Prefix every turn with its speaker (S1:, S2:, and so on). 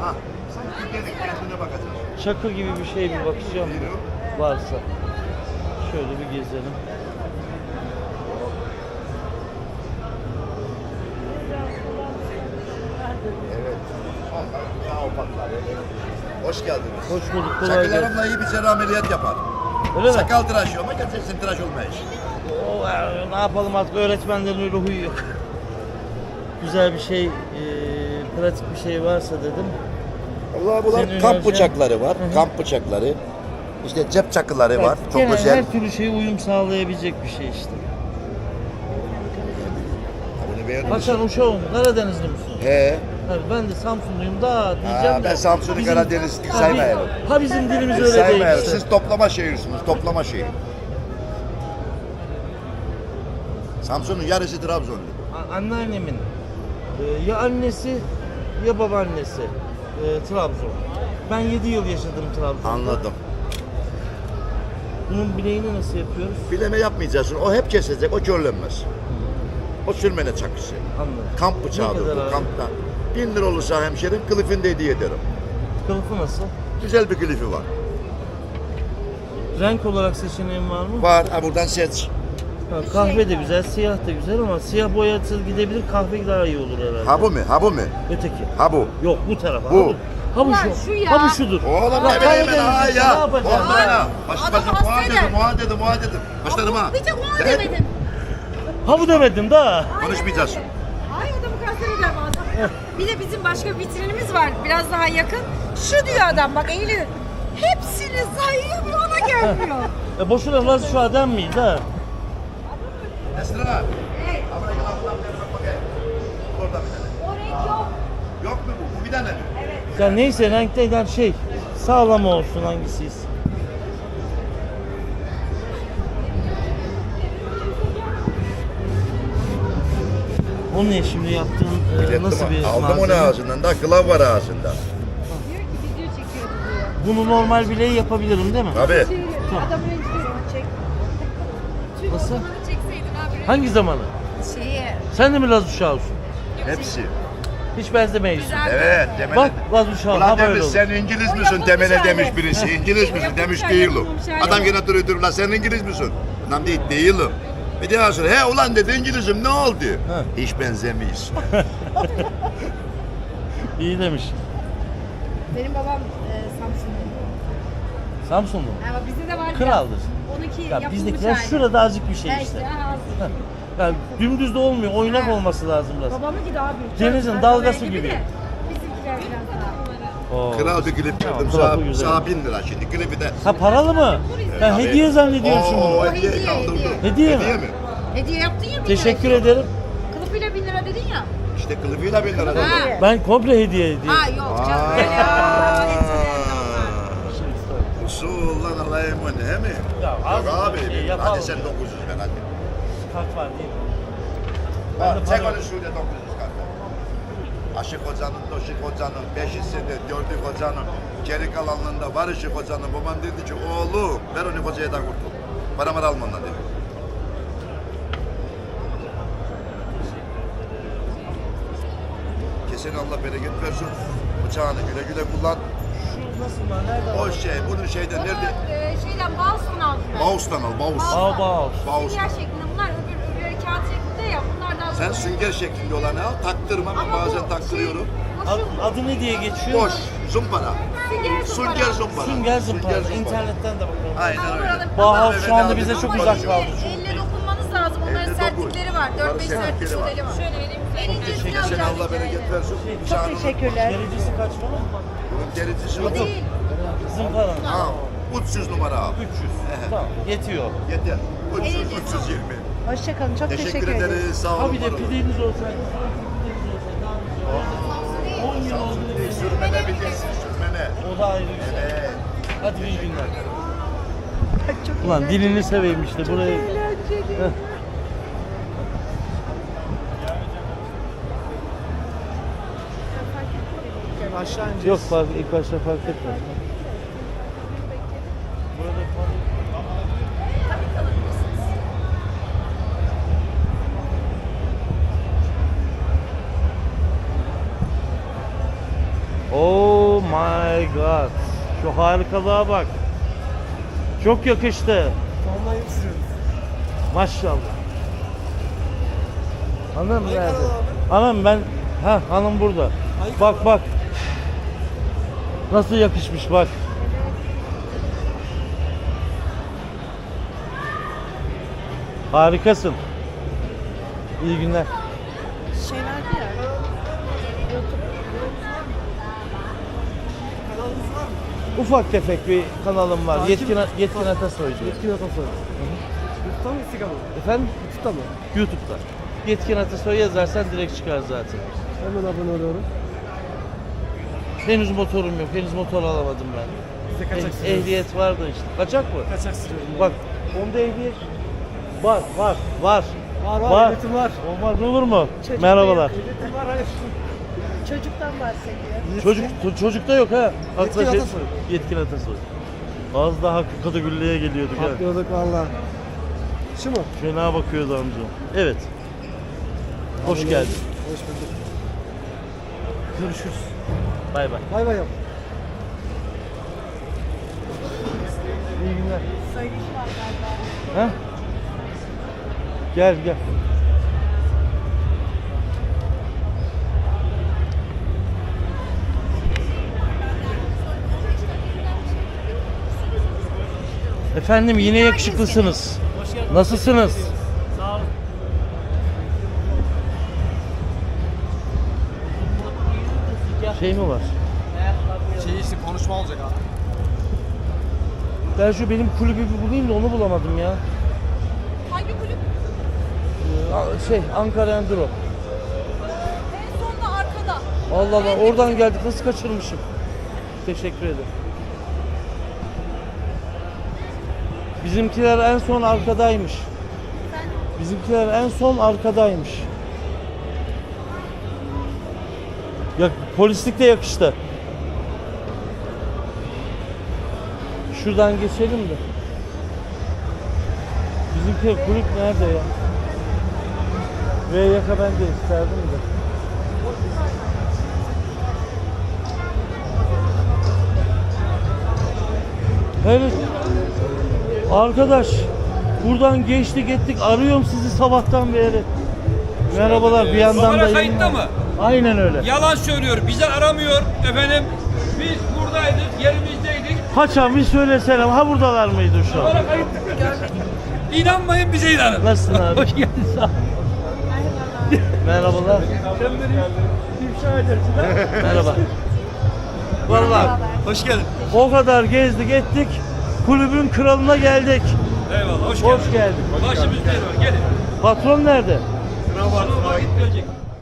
S1: Ha, sen Türkiye'deki kendine bakacaksın.
S2: Çakı gibi bir şey bir bakacağım da varsa. Şöyle bir gezelim.
S1: Evet. Daha opaklar. Hoş geldiniz.
S2: Hoş bulduk, kolay gelsin.
S1: Çakılarımla iyi bir cerrah ameliyat yapar.
S2: Öyle mi?
S1: Sakal tıraşı ama gerçekten tıraş olmayış.
S2: Ne yapalım artık, öğretmenlerin öyle huyu yok. Güzel bir şey, pratik bir şey varsa dedim.
S1: Allah bunlar
S2: Senin
S1: kamp
S2: önereceğin-
S1: bıçakları var.
S2: Hı hı.
S1: Kamp bıçakları. İşte cep çakıları var. Çok
S2: Genel
S1: güzel.
S2: her türlü şeye uyum sağlayabilecek bir şey işte.
S1: Bunu beğendin
S2: Bak
S1: mi?
S2: sen Uşak'ın, Karadenizli misin?
S1: He.
S2: Tabii ben de Samsunluyum da diyeceğim de.
S1: Ben Samsun'u
S2: bizim-
S1: Karadenizli
S2: Ha,
S1: saymayalım.
S2: Ha bizim dilimiz öyle değil
S1: Saymayalım.
S2: işte.
S1: Siz toplama şehirsiniz. Toplama şehir. Samsun'un yarısı Trabzonlu.
S2: Anneannemin ya annesi ya babaannesi Trabzon. Ben 7 yıl yaşadım Trabzon'da.
S1: Anladım.
S2: Bunun bileğini nasıl yapıyoruz?
S1: Bileme yapmayacaksın. O hep kesecek. O körlenmez. O sürmene çakısı.
S2: Anladım.
S1: Kamp
S2: Ne
S1: bıçağıdır
S2: kadar
S1: bu.
S2: abi?
S1: Kampta. 1000 lira olursa hemşerim kılıfını da hediye ederim.
S2: Kılıfı nasıl?
S1: Güzel bir kılıfı var.
S2: Renk olarak seçeneğin var mı?
S1: Var. Ha buradan seç.
S2: Ha, kahve de güzel, siyah da güzel ama siyah boyası gidebilir, kahve daha iyi olur herhalde.
S1: Ha bu mu? Ha bu mu?
S2: Öteki.
S1: Ha bu.
S2: Yok bu tarafa.
S1: Bu.
S2: Ha bu
S3: Ulan
S2: şu.
S3: şu ya.
S2: Ha bu şudur.
S1: Oğlum
S2: Bak,
S1: ne bileyim ben ha
S2: Karadenizlisin,
S1: ya.
S2: ne yapacaksın?
S1: Oğlum ya. Başım
S3: Adam
S1: başım muha
S3: hastaydı.
S1: dedim, muha dedim, muha dedim. Başlarım ha.
S3: Bir tek onu
S1: Evet.
S3: demedim.
S2: Ha bu demedim da.
S1: Konuşmayacağız.
S3: Ay adamı kanser eder bazen. Bir de bizim başka bir vitrinimiz var biraz daha yakın. Şu diyor adam bak eğiliyor. Hepsini sayıyor bir ona gelmiyor.
S2: Boşuna Laz şu adam mıydı ha?
S1: Esra.
S3: Evet.
S1: Ama gel ablam bir bak bakayım. Orada bir tane.
S3: O renk yok.
S1: Yok mu bu? Bu bir tane mi?
S2: Ya neyse renkten şey sağlam olsun hangisiyiz. O ne şimdi yaptığın
S1: Bilettim,
S2: nasıl bir
S1: aldım
S2: malzeme?
S1: onu ağzından da kılav var ağzında.
S3: Diyor ki video çekiyordu diyor.
S2: Bunu normal bileği yapabilirim değil mi?
S1: Tabii.
S3: Adamı rencide çek.
S2: Nasıl?
S3: Çekseydin abi.
S2: Hangi zamanı?
S3: Şeyi.
S2: Sen de mi Laz uşağısın?
S1: Hepsi.
S2: Hiç benzemeyiz.
S3: Güzel.
S1: Evet. Temele.
S2: Bak Laz uşağı
S1: Ulan
S2: ha böyle
S1: demiş
S2: olur.
S1: sen İngiliz
S3: O
S1: misin
S3: yapılmış
S1: temele
S3: hali.
S1: demiş birisi. İngiliz misin
S3: Yapılmış
S1: demiş
S3: hali,
S1: değilim.
S3: yapılmış hali.
S1: Adam gene duruyor lan sen İngiliz misin? Adam değil değilim. Bir daha sonra he ulan dedi İngilizim ne oldu?
S2: Ha.
S1: Hiç benzemeyiz.
S2: İyi demiş.
S3: Benim babam Samsunlu.
S2: Samsunlu mu?
S3: Ama bizde de var.
S2: Kraldır.
S3: Onunki
S2: Ya
S3: yapılmış
S2: bizdekiler
S3: hali.
S2: şurada azıcık bir şey
S3: Ha
S2: işte.
S3: ha.
S2: Heh. Yani dümdüz de olmuyor, oynak
S3: Ha.
S2: olması lazım biraz.
S3: Babamınki daha büyük.
S2: Denizin
S3: Çocuklar
S2: dalgası
S3: oraya
S2: gibi.
S3: de Bizimkiler biraz daha.
S2: Oo.
S1: Kral bir klip
S2: Tamam,
S1: verdim
S2: kral bu
S1: sana,
S2: güzel.
S1: sana 1000 lira şimdi klibi de.
S2: Ha paralı mı? Ben
S1: Tabii.
S2: hediye zannediyorsun
S1: Oo,
S2: bunu.
S1: hediye
S3: Hediye,
S1: kaldırdım.
S2: hediye. Hediye mi?
S1: mi?
S3: Hediye yaptın ya 1 lira.
S2: Teşekkür ederim.
S3: Kılıfıyla 1000 lira dedin ya.
S1: İşte klibiyle 1000 lira
S3: Ha.
S1: dedim.
S2: Ben komple hediye
S3: Ha
S2: ediyorum.
S3: yok canım öyle ya.
S1: Usul lan Allah'a emanet he mi?
S2: Ya, az
S1: Yok abi.
S2: bir şey yapalım.
S1: Hadi sen 900 ver hadi.
S2: Kart var değil mi?
S1: Ha,
S2: de
S1: çek
S2: para
S1: onu şöyle 900 kartı. Aşık hocanın, Doşik hocanın, beşisinde, Gördük hocanın, geri kalanında var Işık hocanın. Babam dedi ki oğlum ver onu hocaya da kurtul. Paramı alma ondan dedi. Kesin Allah bereket versin. Bıçağını güle güle kullan.
S2: Şu nasıl lan? Nerede?
S1: O şey, bunun şeyden nerede?
S3: Şeyden Bauhaus'un altında.
S1: Mouse'dan al, mouse.
S2: Bauhaus.
S1: Mouse.
S3: Sünger şeklinde bunlar öbürleri kağıt şeklinde ya bunlardan
S1: Sen sünger şeklinde olanı al, taktırma ben bazen taktırıyorum.
S2: Adı ne diye geçiyor?
S1: Boş, zumpara. Sünger zumpara.
S2: Sünger zımpara. İnternetten de bakalım.
S1: Aynen öyle.
S2: Bauhaus şu anda bize çok uzak kaldı.
S3: Elle dokunmanız lazım. Onların
S1: Elle
S3: sertlikleri var.
S1: Onların
S3: 4-5 sertlik
S1: sertlikleri var.
S3: modeli var. Şöyle vereyim. En
S1: Kesin Allah bereket versin.
S3: Çok teşekkürler.
S2: Derecesi kaç falan?
S1: Bunun derecesi
S3: O
S1: yok.
S3: değil.
S2: Zımpara.
S1: Ha, 300 numara al.
S2: 300. Tamam yetiyor.
S1: Yeter. 300,
S3: Elli.
S1: 320.
S4: Hoşçakalın. Çok
S1: Teşekkür ederiz. Sağ olun.
S2: Ha bir de
S1: var olun.
S2: pideniz olsaydı. 10 yıl oldu.
S1: Sürmene bilirsin, sürmene.
S2: O da ayrı bir şey.
S1: Evet.
S2: Hadi iyi günler. Ulan dilini seveyim işte buraya. Heh.
S4: Aşağı ineceğiz.
S2: Yok fark, ilk başta fark etmez. Burada Oo Oh my god. Şu harikalığa bak. Çok yakıştı.
S4: Vallahi sürüyoruz.
S2: Maşallah. Hanım nerede? Hanım ben... Ha hanım burada. Bak bak. Nasıl yakışmış bak. Harikasın. İyi günler.
S4: Şey verdi ya. Kanalınız var mı?
S2: Ufak tefek bir kanalım var.
S4: Takip-
S2: Yetkin Atasoy diyor.
S4: Yetkin Atasoy. YouTube'da mı Instagram'da?
S2: Efendim?
S4: YouTube'da mı?
S2: YouTube'da. Yetkin Atasoy yazarsan direkt çıkar zaten.
S4: Hemen abone oluyorum.
S2: Henüz motorum yok. Henüz motor alamadım ben.
S4: Size kaçak sürüyoruz.
S2: Ehliyet var da işte. Kaçak mı?
S4: Kaçak sürüyorum.
S2: Bak onda ehliyet var. Var.
S4: Var ehliyetim var.
S2: Olmaz olur mu?
S3: Çocuk
S2: Merhabalar.
S4: Ehliyetim var hayır.
S3: Çocuktan bahsediyor.
S2: Çocukta yok ha.
S4: Yetkin
S2: Aslında
S4: Atasoy.
S2: Yetkin Atasoy. Az daha Hakkı Kadıgüllü'ye geliyorduk ha.
S4: Patlıyorduk valla. Şu mu?
S2: Fena bakıyordu amca. Evet. Hoş
S4: Abone
S2: geldin.
S4: olduk. Hoş bulduk.
S2: Görüşürüz. Bay bay.
S4: Bay bay yap.
S2: İyi günler.
S3: Sayış var galiba.
S2: Ha? Gel gel. Efendim yine yakışıklısınız. Nasılsınız?
S5: Sağ olun.
S2: Şey mi var?
S4: Şey işte konuşma olacak abi.
S2: Ben şu benim kulübü bir bulayım da onu bulamadım ya.
S3: Hangi kulüp?
S2: Şey Ankara Enduro.
S3: En sonda arkada.
S2: Allah Allah oradan geldik nasıl kaçırmışım. Teşekkür ederim. Bizimkiler en son arkadaymış. Bizimkiler en son arkadaymış. Ya polislik de yakıştı. Şuradan geçelim de. Bizimki kulüp nerede ya? VYK ben de isterdim de. Evet. Arkadaş buradan geçtik ettik arıyorum sizi sabahtan beri. Merhabalar bir yandan
S5: Kamera
S2: da
S5: kayıtta mı?
S2: Aynen öyle.
S5: Yalan söylüyor. Bizi aramıyor efendim. Biz buradaydık, yerimizdeydik.
S2: Haçan bir söylesene ha buradalar mıydı şu an?
S5: Kamera kayıtta. İnanmayın bize inanın.
S2: Nasılsın abi?
S5: Hoş geldin sağ ol.
S2: Merhabalar.
S5: Sen beni ifşa edersin ha?
S2: Merhaba. Vallahi
S5: Hoş geldin.
S2: o kadar gezdik ettik. Kulübün kralına geldik.
S5: Eyvallah hoş geldin.
S2: Hoş geldik.
S5: Başımız değil var gelin.
S2: Patron nerede?
S5: Sınava gitmeyecek.